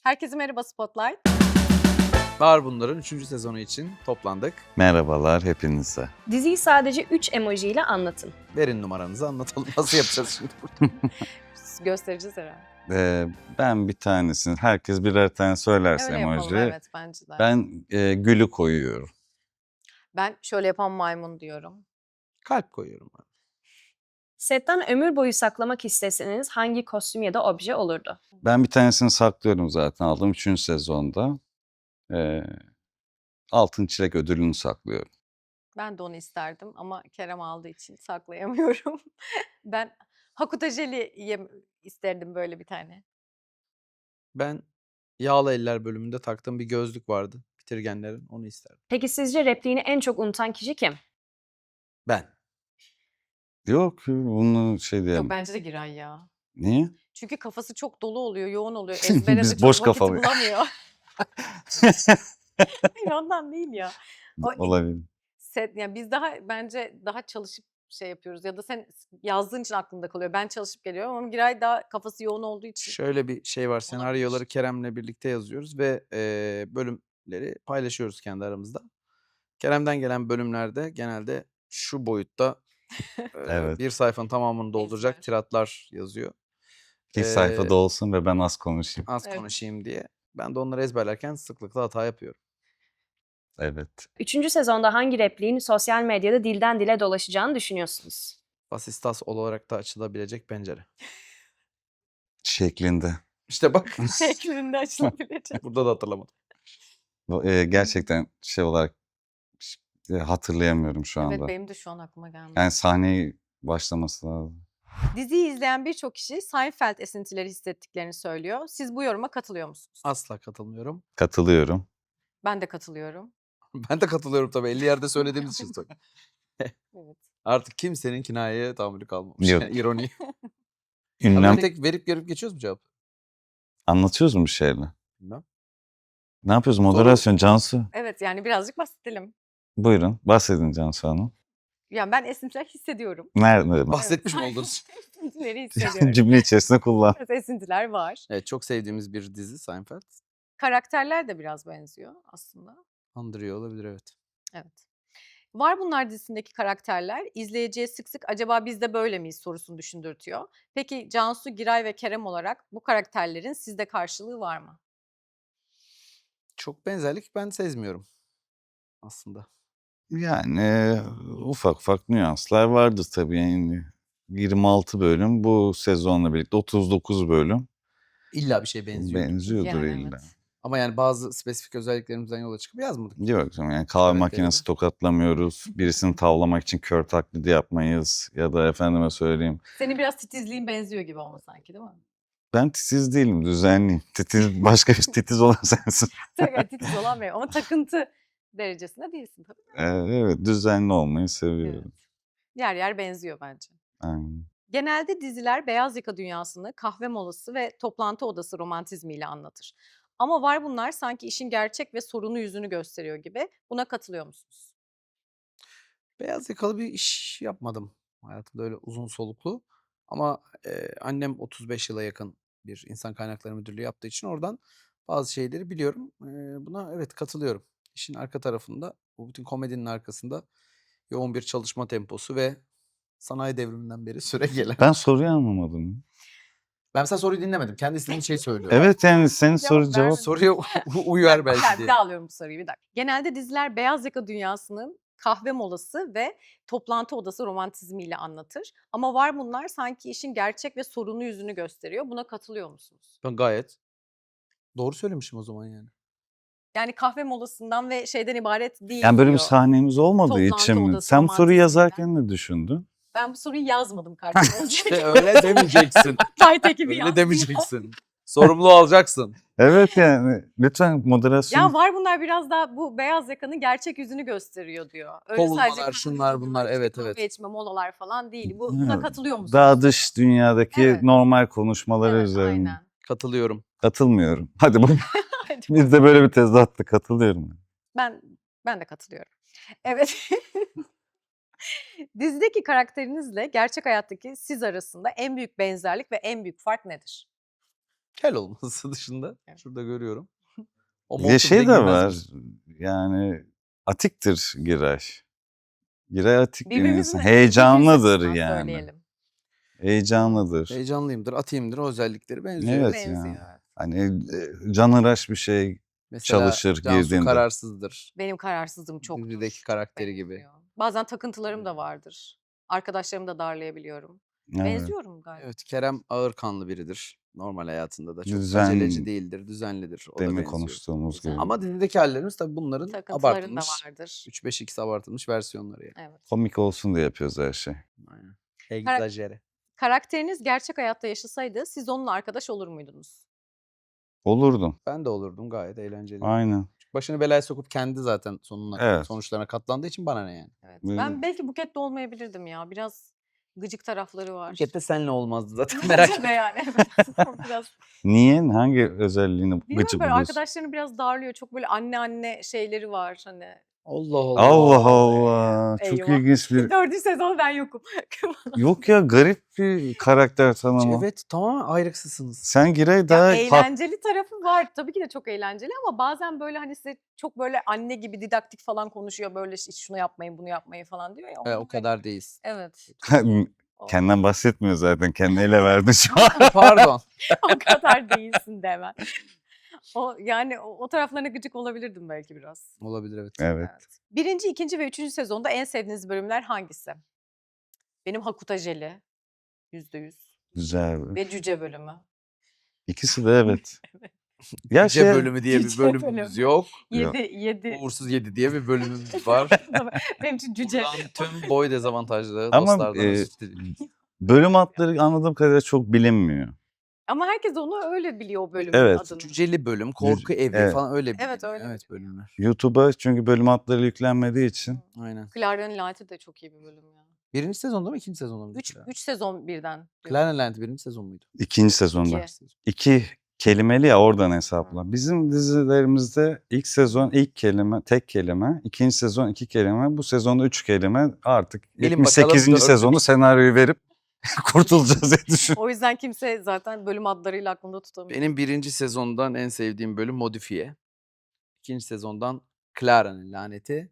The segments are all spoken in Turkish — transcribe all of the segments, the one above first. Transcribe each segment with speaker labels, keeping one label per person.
Speaker 1: Herkese merhaba Spotlight.
Speaker 2: Var bunların 3. sezonu için toplandık.
Speaker 3: Merhabalar hepinize.
Speaker 1: Diziyi sadece 3 emoji ile anlatın.
Speaker 2: Verin numaranızı anlatalım. Nasıl yapacağız şimdi burada?
Speaker 1: Göstereceğiz herhalde.
Speaker 3: Ben bir tanesini, herkes birer tane söylerse
Speaker 1: Öyle yapalım,
Speaker 3: emoji.
Speaker 1: evet bence de.
Speaker 3: Ben gülü koyuyorum.
Speaker 1: Ben şöyle yapan maymun diyorum.
Speaker 2: Kalp koyuyorum ben.
Speaker 1: Setten ömür boyu saklamak isteseniz hangi kostüm ya da obje olurdu?
Speaker 3: Ben bir tanesini saklıyorum zaten aldım 3. sezonda. E, Altın Çilek ödülünü saklıyorum.
Speaker 1: Ben de onu isterdim ama Kerem aldığı için saklayamıyorum. Ben Hakuta Jeli isterdim böyle bir tane.
Speaker 2: Ben Yağlı Eller bölümünde taktığım bir gözlük vardı. Bitirgenlerin, onu isterdim.
Speaker 1: Peki sizce repliğini en çok unutan kişi kim?
Speaker 2: Ben.
Speaker 3: Yok bunu şey
Speaker 1: Yok
Speaker 3: diyemem.
Speaker 1: bence de Giray ya.
Speaker 3: Niye?
Speaker 1: Çünkü kafası çok dolu oluyor, yoğun oluyor. Ezbere de
Speaker 3: Biz
Speaker 1: çok
Speaker 3: boş
Speaker 1: vakit
Speaker 3: kafalıyız.
Speaker 1: bulamıyor. Hayır ondan değil ya. O
Speaker 3: Olabilir.
Speaker 1: yani biz bence daha çalışıp şey yapıyoruz ya da sen yazdığın için aklında kalıyor. Ben çalışıp geliyorum ama Giray daha kafası yoğun olduğu için.
Speaker 2: Şöyle bir şey var. Senaryoları Kerem'le birlikte yazıyoruz ve bölümleri paylaşıyoruz kendi aramızda. Kerem'den gelen bölümlerde genelde şu boyutta
Speaker 3: Evet.
Speaker 2: bir sayfanın tamamını dolduracak
Speaker 1: Ezber.
Speaker 2: tiratlar yazıyor.
Speaker 3: İlk sayfada olsun ve ben az konuşayım.
Speaker 2: Az
Speaker 1: Evet.
Speaker 2: konuşayım diye. Ben de onları ezberlerken sıklıkla hata yapıyorum.
Speaker 3: Evet.
Speaker 1: 3. sezonda hangi repliğin sosyal medyada dilden dile dolaşacağını düşünüyorsunuz?
Speaker 2: Vasistas olarak da açılabilecek pencere.
Speaker 3: Şeklinde.
Speaker 2: İşte bak.
Speaker 1: Şeklinde açılabilecek.
Speaker 2: Burada da hatırlamadım.
Speaker 3: Gerçekten şey olarak hatırlayamıyorum şu anda.
Speaker 1: Evet benim de şu an aklıma gelmedi.
Speaker 3: Yani sahneyi başlaması lazım.
Speaker 1: Diziyi izleyen birçok kişi Seinfeld esintileri hissettiklerini söylüyor. Siz bu yoruma katılıyor musunuz?
Speaker 2: Asla katılmıyorum.
Speaker 3: Katılıyorum.
Speaker 1: Ben de katılıyorum.
Speaker 2: Ben de katılıyorum tabii. 50 yerde söylediğimiz için söylüyorum.
Speaker 1: Evet.
Speaker 2: Artık kimsenin kinayeye tahammülü kalmamış.
Speaker 3: Yok.
Speaker 2: Yani ironi.
Speaker 3: Ünlem
Speaker 2: Abi tek verip görüp geçiyoruz mu cevap?
Speaker 3: anlatıyoruz mu bir şeyle?
Speaker 2: Bilmem.
Speaker 3: Ne yapıyoruz? Moderasyon Cansu.
Speaker 1: Evet yani birazcık bahsedelim.
Speaker 3: Buyurun bahsedin Cansu Hanım.
Speaker 1: Yani ben esintiler hissediyorum.
Speaker 3: Nerede?
Speaker 2: Bahsetmiş mi oldunuz?
Speaker 1: Esintileri hissediyorum.
Speaker 3: Cümle içerisinde kullan.
Speaker 1: Evet, esintiler var.
Speaker 2: Evet, çok sevdiğimiz bir dizi Seinfeld.
Speaker 1: Karakterler de biraz benziyor aslında.
Speaker 2: Andırıyor olabilir, evet.
Speaker 1: Evet. Var Bunlar dizisindeki karakterler izleyiciye sık sık acaba biz de böyle miyiz sorusunu düşündürtüyor. Peki Cansu, Giray ve Kerem olarak bu karakterlerin sizde karşılığı var mı?
Speaker 2: Çok benzerlik ben sezmiyorum aslında.
Speaker 3: Yani ufak ufak nüanslar vardır tabii. Yani 26 bölüm bu sezonla birlikte 39 bölüm
Speaker 2: İlla bir şey benziyor.
Speaker 3: benziyordur
Speaker 1: Yani
Speaker 3: illa.
Speaker 1: evet.
Speaker 2: Ama yani bazı spesifik özelliklerimizden yola çıkıp yazmadık.
Speaker 3: Yok canım, yani kahve
Speaker 2: Karakterleri.
Speaker 3: makinesi tokatlamıyoruz. Birisini tavlamak için kör taklidi yapmayız. Ya da efendime söyleyeyim.
Speaker 1: Senin biraz titizliğin benziyor gibi ama sanki değil mi?
Speaker 3: Ben titiz değilim, düzenliyim. Titiz, başka bir titiz olan sensin.
Speaker 1: Tabii titiz olan benim ama takıntı derecesinde değilsin tabii.
Speaker 3: Evet, düzenli olmayı seviyorum.
Speaker 1: Evet. Yer yer benziyor bence.
Speaker 3: Aynen.
Speaker 1: Genelde diziler beyaz yaka dünyasını kahve molası ve toplantı odası romantizmiyle anlatır. Ama Var Bunlar sanki işin gerçek ve sorunlu yüzünü gösteriyor gibi. Buna katılıyor musunuz?
Speaker 2: Beyaz yakalı bir iş yapmadım hayatımda öyle uzun soluklu. Ama annem 35 yıla yakın bir insan kaynakları müdürlüğü yaptığı için oradan bazı şeyleri biliyorum. Buna evet katılıyorum. İşin arka tarafında, bu bütün komedinin arkasında yoğun bir çalışma temposu ve sanayi devriminden beri süre gelen.
Speaker 3: Ben soruyu anlamadım.
Speaker 2: Ben mesela soruyu dinlemedim. Kendi istediğin şeyi söylüyor.
Speaker 3: Evet yani senin soru
Speaker 1: Cevap
Speaker 3: cevap.
Speaker 1: vermedim.
Speaker 2: Soruya uyar belki
Speaker 1: Bir
Speaker 2: diye.
Speaker 1: daha alıyorum bu soruyu bir dakika. Genelde diziler beyaz yaka dünyasının kahve molası ve toplantı odası romantizmiyle anlatır. Ama Var Bunlar sanki işin gerçek ve sorunlu yüzünü gösteriyor. Buna katılıyor musunuz?
Speaker 2: Ben gayet doğru söylemişim o zaman yani.
Speaker 1: Yani kahve molasından ve şeyden ibaret değil
Speaker 3: Yani böyle bir
Speaker 1: diyor.
Speaker 3: sahnemiz olmadığı
Speaker 1: Toplantı
Speaker 3: için mi?
Speaker 1: odası
Speaker 3: Sen bu soruyu
Speaker 1: romantizminden.
Speaker 3: yazarken ne düşündün?
Speaker 1: Ben bu soruyu yazmadım kardeşim.
Speaker 2: İşte öyle demeyeceksin.
Speaker 1: Kayıt ekibi
Speaker 2: Öyle
Speaker 1: yazdı.
Speaker 2: demeyeceksin. Sorumluluğu alacaksın.
Speaker 3: Evet yani lütfen moderasyon.
Speaker 1: Ya Var Bunlar biraz daha bu beyaz yakanın gerçek yüzünü gösteriyor diyor. Öyle
Speaker 2: Kovulmalar,
Speaker 1: sadece kahve
Speaker 2: şunlar,
Speaker 1: içme,
Speaker 2: bunlar,
Speaker 1: işte
Speaker 2: evet,
Speaker 1: kahve
Speaker 2: evet.
Speaker 1: içme, molalar falan değil. Buna
Speaker 3: Evet,
Speaker 1: katılıyor musunuz?
Speaker 3: Daha dış dünyadaki
Speaker 1: Evet.
Speaker 3: normal konuşmaları
Speaker 1: Evet,
Speaker 3: üzerine.
Speaker 1: aynen.
Speaker 2: Katılıyorum.
Speaker 3: Katılmıyorum. Hadi bak.
Speaker 1: Hadi
Speaker 3: Biz de böyle bir tezatla katılıyorum.
Speaker 1: Ben de katılıyorum. Evet. Dizideki karakterinizle gerçek hayattaki siz arasında en büyük benzerlik ve en büyük fark nedir?
Speaker 2: Kel olması dışında
Speaker 1: Evet.
Speaker 2: şurada görüyorum. O
Speaker 3: Bir de
Speaker 2: montu
Speaker 3: şey
Speaker 2: bize
Speaker 3: de
Speaker 2: girmez
Speaker 3: var.
Speaker 2: mi?
Speaker 3: Yani atiktir Giray. Giray atik bir
Speaker 1: Birbirimizin
Speaker 3: insan.
Speaker 1: evet, bir yüz
Speaker 3: Heyecanlıdır
Speaker 1: açısından
Speaker 3: yani.
Speaker 1: söyleyelim.
Speaker 3: Heyecanlıdır.
Speaker 2: Heyecanlıyımdır, atayımdır. O özellikleri benziyor.
Speaker 3: Evet
Speaker 1: Benziyor.
Speaker 3: ya.
Speaker 1: Evet.
Speaker 3: Hani canhıraş bir şey
Speaker 2: Mesela
Speaker 3: çalışır
Speaker 2: Cansu
Speaker 3: girdiğinde.
Speaker 2: kararsızdır.
Speaker 1: Benim kararsızlığım
Speaker 2: Dizideki
Speaker 1: çoktur. Çok
Speaker 2: karakteri gibi.
Speaker 1: benziyor. Bazen takıntılarım da vardır. Arkadaşlarımı da darlayabiliyorum.
Speaker 3: Evet.
Speaker 1: Benziyorum galiba.
Speaker 2: Evet, Kerem ağırkanlı biridir. Normal hayatında da çok
Speaker 3: Düzen
Speaker 2: aceleci değildir, düzenlidir. O da
Speaker 3: demin
Speaker 2: benziyor.
Speaker 3: konuştuğumuz
Speaker 1: Güzel.
Speaker 3: gibi.
Speaker 2: Ama dizideki hallerimiz tabii bunların
Speaker 1: Takıntıların da
Speaker 2: abartılmış,
Speaker 1: vardır.
Speaker 2: 3-5x abartılmış versiyonları yani.
Speaker 1: Evet.
Speaker 3: Komik olsun diye yapıyoruz her şey.
Speaker 2: Aynen.
Speaker 1: Kara-
Speaker 2: Egzajere.
Speaker 1: Karakteriniz gerçek hayatta yaşasaydı siz onunla arkadaş olur muydunuz?
Speaker 3: Olurdum.
Speaker 2: Ben de olurdum, gayet eğlenceli.
Speaker 3: Aynen.
Speaker 2: Başını belaya sokup kendi zaten
Speaker 3: Evet.
Speaker 2: sonuçlarına katlandığı için bana ne yani.
Speaker 1: Evet.
Speaker 3: Böyle-
Speaker 1: Ben belki Buket'te olmayabilirdim ya. Biraz gıcık tarafları var.
Speaker 2: Buket'te senle olmazdı zaten, merak
Speaker 1: Bence de
Speaker 2: etme.
Speaker 1: yani. Evet. O biraz
Speaker 3: Niye? Hangi özelliğini
Speaker 1: bilmiyorum,
Speaker 3: gıcık
Speaker 1: böyle
Speaker 3: buluyorsun?
Speaker 1: arkadaşlarını biraz darlıyor. Çok böyle anne şeyleri var hani.
Speaker 2: Allah Allah.
Speaker 3: Allah
Speaker 1: Oo,
Speaker 3: Allah. Çok
Speaker 1: eyvah.
Speaker 3: ilginç bir...
Speaker 1: 4. sezon ben yokum.
Speaker 3: Yok ya, garip bir karakter tanımı.
Speaker 2: Evet, tamamen ayrıksızsınız.
Speaker 3: Sen Giray
Speaker 1: Ya
Speaker 3: daha
Speaker 1: eğlenceli tarafı var. Tabii ki de çok eğlenceli ama bazen böyle hani size çok böyle anne gibi didaktik falan konuşuyor. Böyle işte şunu yapmayın, bunu yapmayın falan diyor ya.
Speaker 2: O kadar değiliz.
Speaker 1: Evet. O,
Speaker 3: kendinden bahsetmiyor zaten. Kendini ele verdi şu an.
Speaker 2: Pardon.
Speaker 1: o kadar değilsin de hemen. O yani o taraflarına gıcık olabilirdim belki biraz.
Speaker 2: Olabilir, evet.
Speaker 3: Evet.
Speaker 1: Evet. 1., 2. ve 3. sezonda en sevdiğiniz bölümler hangisi? Benim Hakuta Jeli. %100.
Speaker 3: Güzel.
Speaker 1: Ve Cüce bölümü.
Speaker 3: İkisi de evet. Ya
Speaker 2: Cüce
Speaker 3: şey,
Speaker 2: bölümü diye bir
Speaker 1: Cüce
Speaker 2: bölümümüz
Speaker 1: bölümü.
Speaker 2: yok.
Speaker 1: 7.
Speaker 2: Uğursuz 7 diye bir bölümümüz var.
Speaker 1: Benim için Cüce.
Speaker 2: Buradan tüm boy dezavantajlı
Speaker 3: ama
Speaker 2: dostlardan özür dilerim.
Speaker 3: bölüm adları anladığım kadarıyla çok bilinmiyor.
Speaker 1: Ama herkes onu öyle biliyor o bölümün
Speaker 3: Evet.
Speaker 1: adını.
Speaker 2: Cüceli bölüm, korku evi
Speaker 3: evet.
Speaker 2: falan öyle bir
Speaker 1: Evet, öyle
Speaker 2: evet
Speaker 1: biliniyor.
Speaker 2: bölümler.
Speaker 3: YouTube'a çünkü bölüm adları yüklenmediği için.
Speaker 2: Aynen.
Speaker 1: Clara'nın Laneti de çok iyi bir bölüm ya.
Speaker 2: 1. sezonda mı 2. sezonda mı?
Speaker 1: 3 sezon birden. diyorum.
Speaker 2: Claren Lanti 1. sezon muydu?
Speaker 3: İkinci sezonda.
Speaker 1: İki.
Speaker 3: 2 kelimeli ya, oradan hesapla. Bizim dizilerimizde ilk sezon ilk kelime, tek kelime. İkinci sezon 2 kelime. Bu sezonda 3 kelime. Artık
Speaker 2: Bilin bakalım
Speaker 3: 78.
Speaker 2: dördü
Speaker 3: sezonu
Speaker 2: bir-
Speaker 3: senaryoyu verip kurtulacağız diye düşünüyorum.
Speaker 1: O yüzden kimse zaten bölüm adlarıyla aklında tutamıyor.
Speaker 2: Benim 1. sezondan en sevdiğim bölüm Modifiye. 2. sezondan Clara'nın laneti.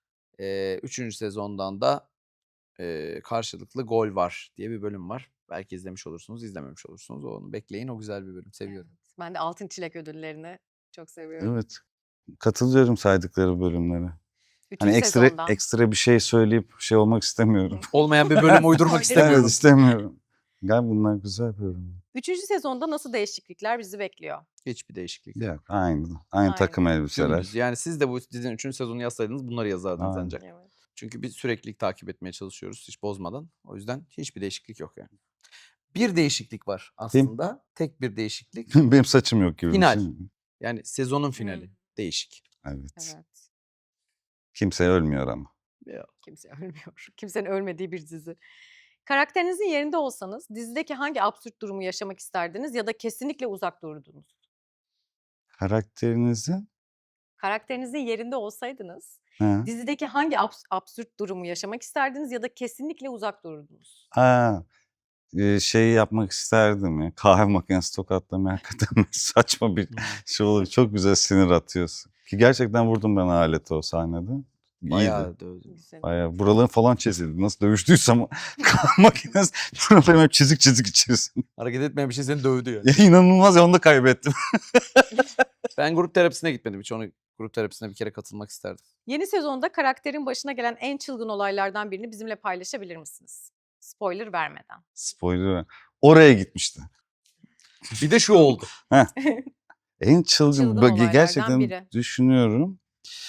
Speaker 2: 3. sezondan da karşılıklı gol var diye bir bölüm var. Belki izlemiş olursunuz, izlememiş olursunuz. Onu bekleyin. O güzel bir bölüm. Seviyorum.
Speaker 1: Evet. Ben de Altın Çilek ödüllerini çok seviyorum.
Speaker 3: Evet. Katılıyorum saydıkları bölümlere.
Speaker 1: Üçüncü
Speaker 3: Hani
Speaker 1: sezondan.
Speaker 3: ekstra bir şey söyleyip şey olmak istemiyorum.
Speaker 2: Olmayan bir bölüm uydurmak
Speaker 1: Öyle
Speaker 2: istemiyorum.
Speaker 3: Evet, istemiyorum. Galiba bunlar güzel bölümler.
Speaker 1: 3. sezonda nasıl değişiklikler bizi bekliyor?
Speaker 2: Hiçbir değişiklik.
Speaker 3: Yok, aynı
Speaker 1: Aynı.
Speaker 3: takım elbiseler.
Speaker 2: Dümdüz. Yani siz de bu dizinin 3. sezonu yazsaydınız bunları yazardınız
Speaker 3: Aynen.
Speaker 2: ancak.
Speaker 1: Evet.
Speaker 2: Çünkü biz süreklilik takip etmeye çalışıyoruz hiç bozmadan. O yüzden hiçbir değişiklik yok yani. Bir değişiklik var aslında. Tek bir değişiklik.
Speaker 3: Benim saçım yok gibi. bir
Speaker 2: Final.
Speaker 3: şey.
Speaker 2: Yani sezonun finali.
Speaker 1: Hmm.
Speaker 2: Değişik.
Speaker 3: Evet.
Speaker 1: Evet.
Speaker 3: Kimse ölmüyor ama.
Speaker 1: Kimse ölmüyor. Kimsenin ölmediği bir dizi. Karakterinizin yerinde olsanız dizideki hangi absürt durumu yaşamak isterdiniz ya da kesinlikle uzak durdunuz?
Speaker 3: Karakterinizin
Speaker 1: Karakterinizin yerinde olsaydınız
Speaker 3: ha.
Speaker 1: dizideki hangi absürt durumu yaşamak isterdiniz ya da kesinlikle uzak durdunuz?
Speaker 3: Ha. Şeyi yapmak isterdim ya. Kahve makinesi tokatlamayı hakikaten saçma bir şey olur. Çok güzel sinir atıyorsun. Ki gerçekten vurdum ben aleti o sahnede. İyiydi.
Speaker 2: Bayağı dövdü.
Speaker 1: Güzel.
Speaker 3: Bayağı buraların falan çizildi. Nasıl dövüştüysem kahve makinesi buralarım hep çizik çizik içerisinde.
Speaker 2: Hareket etmeyen bir şey seni dövdü yani.
Speaker 3: Ya inanılmaz ya, onu da kaybettim.
Speaker 2: Ben grup terapisine gitmedim hiç. Onu grup terapisine bir kere katılmak isterdim.
Speaker 1: Yeni sezonda karakterin başına gelen en çılgın olaylardan birini bizimle paylaşabilir misiniz? Spoiler vermeden.
Speaker 3: Spoiler. Oraya gitmişti.
Speaker 2: Bir de şu oldu.
Speaker 3: En çılgın,
Speaker 1: Çılgın olaylardan
Speaker 3: gerçekten
Speaker 1: biri.
Speaker 3: düşünüyorum.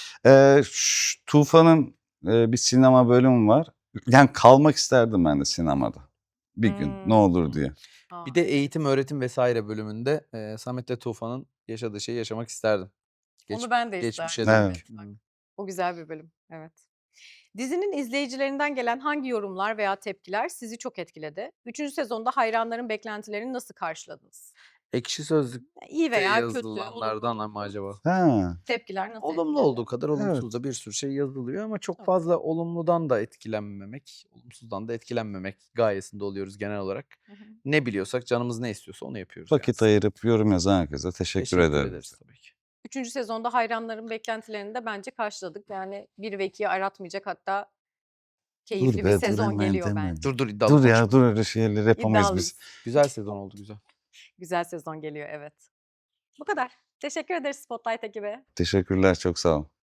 Speaker 3: Tufan'ın bir sinema bölümü var. Yani kalmak isterdim ben de sinemada. Bir gün ne olur diye.
Speaker 2: Bir de eğitim, öğretim vesaire bölümünde Samet'le Tufan'ın yaşadığı şeyi yaşamak isterdim.
Speaker 1: Onu ben de
Speaker 2: Geçmişe
Speaker 1: isterdim.
Speaker 3: Evet.
Speaker 2: dönük.
Speaker 1: Bak, o güzel bir bölüm. Evet. Dizinin izleyicilerinden gelen hangi yorumlar veya tepkiler sizi çok etkiledi? 3. sezonda hayranların beklentilerini nasıl karşıladınız?
Speaker 2: Ekşi Sözlük'te
Speaker 1: İyi veya kötü,
Speaker 2: yazılanlardan
Speaker 1: olumlu,
Speaker 2: ama
Speaker 1: olumsuz
Speaker 2: acaba?
Speaker 3: Ha,
Speaker 1: tepkiler nasıl
Speaker 2: Olumlu
Speaker 1: etkiledi?
Speaker 2: olduğu kadar olumsuz
Speaker 3: evet.
Speaker 2: da bir sürü şey yazılıyor ama çok
Speaker 1: Tabii.
Speaker 2: fazla olumludan da etkilenmemek, olumsuzdan da etkilenmemek gayesinde oluyoruz genel olarak.
Speaker 1: Hı hı.
Speaker 2: Ne biliyorsak, canımız ne istiyorsa onu yapıyoruz yani.
Speaker 3: Vakit ayırıp yorum yazan herkese teşekkür
Speaker 2: Teşekkür
Speaker 3: ederim.
Speaker 2: ederiz tabii ki.
Speaker 1: 3. sezonda hayranların beklentilerini de bence karşıladık. Yani 1 ve 2'yi aratmayacak, hatta
Speaker 3: Dur
Speaker 1: keyifli bir
Speaker 3: be, dur
Speaker 1: sezon
Speaker 3: hemen
Speaker 1: geliyor
Speaker 3: deme.
Speaker 1: bence.
Speaker 2: Dur iddialı
Speaker 3: Dur ya,
Speaker 2: konuşma.
Speaker 3: dur öyle şeyler yapamayız biz.
Speaker 1: İddialıyız.
Speaker 2: Güzel sezon oldu, güzel.
Speaker 1: Güzel sezon geliyor, evet. Bu kadar. Teşekkür ederiz Spotlight ekibi.
Speaker 3: Teşekkürler, çok sağ olun.